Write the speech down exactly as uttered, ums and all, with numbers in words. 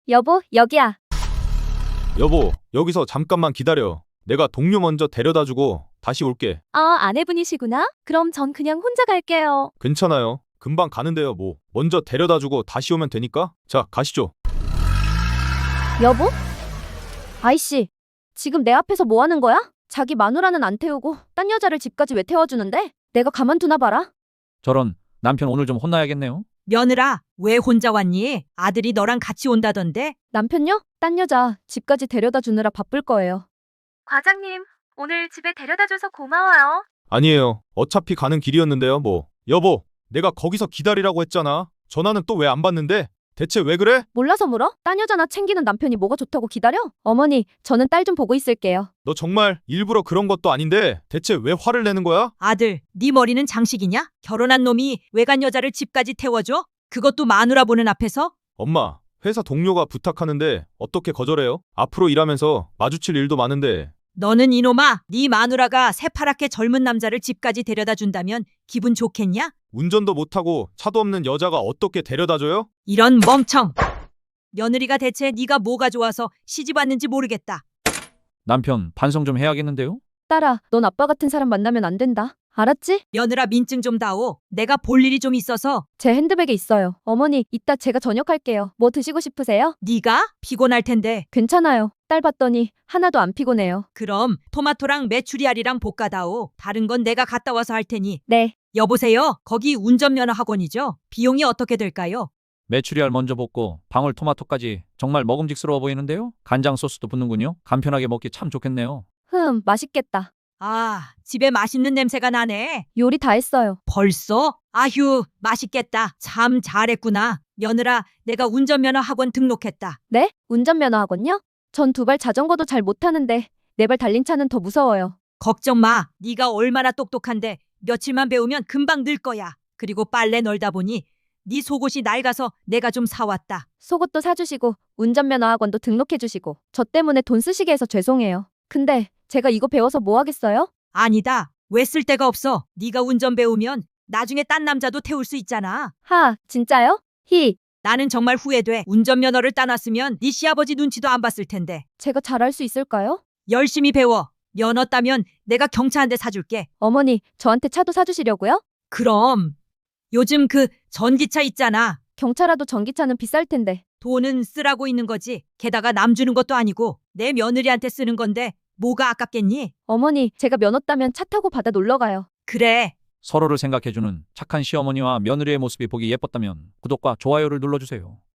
여보, 여기야. 여보, 여기서 잠깐만 기다려. 내가 동료 먼저 데려다 주고 다시 올게. 아, 아내분이시구나? 그럼 전 그냥 혼자 갈게요. 괜찮아요. 금방 가는데요, 뭐. 먼저 데려다 주고 다시 오면 되니까. 자, 가시죠. 여보? 아이씨, 지금 내 앞에서 뭐 하는 거야? 자기 마누라는 안 태우고 딴 여자를 집까지 왜 태워주는데? 내가 가만두나 봐라. 저런, 남편 오늘 좀 혼나야겠네요. 며느라, 왜 혼자 왔니? 아들이 너랑 같이 온다던데? 남편요? 딴 여자 집까지 데려다 주느라 바쁠 거예요. 과장님, 오늘 집에 데려다줘서 고마워요. 아니에요. 어차피 가는 길이었는데요, 뭐. 여보, 내가 거기서 기다리라고 했잖아. 전화는 또 왜 안 받는데? 대체 왜 그래? 몰라서 물어? 딴 여자나 챙기는 남편이 뭐가 좋다고 기다려? 어머니, 저는 딸 좀 보고 있을게요. 너 정말 일부러 그런 것도 아닌데 대체 왜 화를 내는 거야? 아들, 네 머리는 장식이냐? 결혼한 놈이 외간 여자를 집까지 태워줘? 그것도 마누라 보는 앞에서? 엄마, 회사 동료가 부탁하는데 어떻게 거절해요? 앞으로 일하면서 마주칠 일도 많은데. 너는 이놈아, 네 마누라가 새파랗게 젊은 남자를 집까지 데려다 준다면 기분 좋겠냐? 운전도 못하고 차도 없는 여자가 어떻게 데려다줘요? 이런 멍청! 며느리가 대체 네가 뭐가 좋아서 시집 왔는지 모르겠다. 남편 반성 좀 해야겠는데요? 딸아, 넌 아빠 같은 사람 만나면 안 된다. 알았지? 며느라 민증 좀 다오. 내가 볼 일이 좀 있어서. 제 핸드백에 있어요. 어머니, 이따 제가 저녁할게요. 뭐 드시고 싶으세요? 네가 피곤할 텐데. 괜찮아요. 딸 봤더니 하나도 안 피곤해요. 그럼 토마토랑 메추리알이랑 볶아다오. 다른 건 내가 갔다 와서 할 테니. 네. 여보세요? 거기 운전면허 학원이죠? 비용이 어떻게 될까요? 메추리알 먼저 볶고 방울토마토까지 정말 먹음직스러워 보이는데요? 간장 소스도 붙는군요. 간편하게 먹기 참 좋겠네요. 흠, 맛있겠다. 아, 집에 맛있는 냄새가 나네. 요리 다 했어요. 벌써? 아휴, 맛있겠다. 참 잘했구나. 며느라, 내가 운전면허 학원 등록했다. 네? 운전면허 학원요? 전 두 발 자전거도 잘 못하는데 네 발 달린 차는 더 무서워요. 걱정 마. 네가 얼마나 똑똑한데 며칠만 배우면 금방 늘 거야. 그리고 빨래 널다 보니 네 속옷이 낡아서 내가 좀 사왔다. 속옷도 사주시고 운전면허 학원도 등록해주시고 저 때문에 돈 쓰시게 해서 죄송해요. 근데 제가 이거 배워서 뭐 하겠어요? 아니다. 왜 쓸 데가 없어. 네가 운전 배우면 나중에 딴 남자도 태울 수 있잖아. 하, 진짜요? 히, 나는 정말 후회돼. 운전면허를 따놨으면 네 시아버지 눈치도 안 봤을 텐데. 제가 잘할 수 있을까요? 열심히 배워. 면허 따면 내가 경차 한 대 사줄게. 어머니, 저한테 차도 사주시려고요? 그럼. 요즘 그 전기차 있잖아. 경차라도 전기차는 비쌀 텐데. 돈은 쓰라고 있는 거지. 게다가 남 주는 것도 아니고 내 며느리한테 쓰는 건데 뭐가 아깝겠니? 어머니, 제가 면허 따면 차 타고 바다 놀러 가요. 그래. 서로를 생각해주는 착한 시어머니와 며느리의 모습이 보기 예뻤다면 구독과 좋아요를 눌러주세요.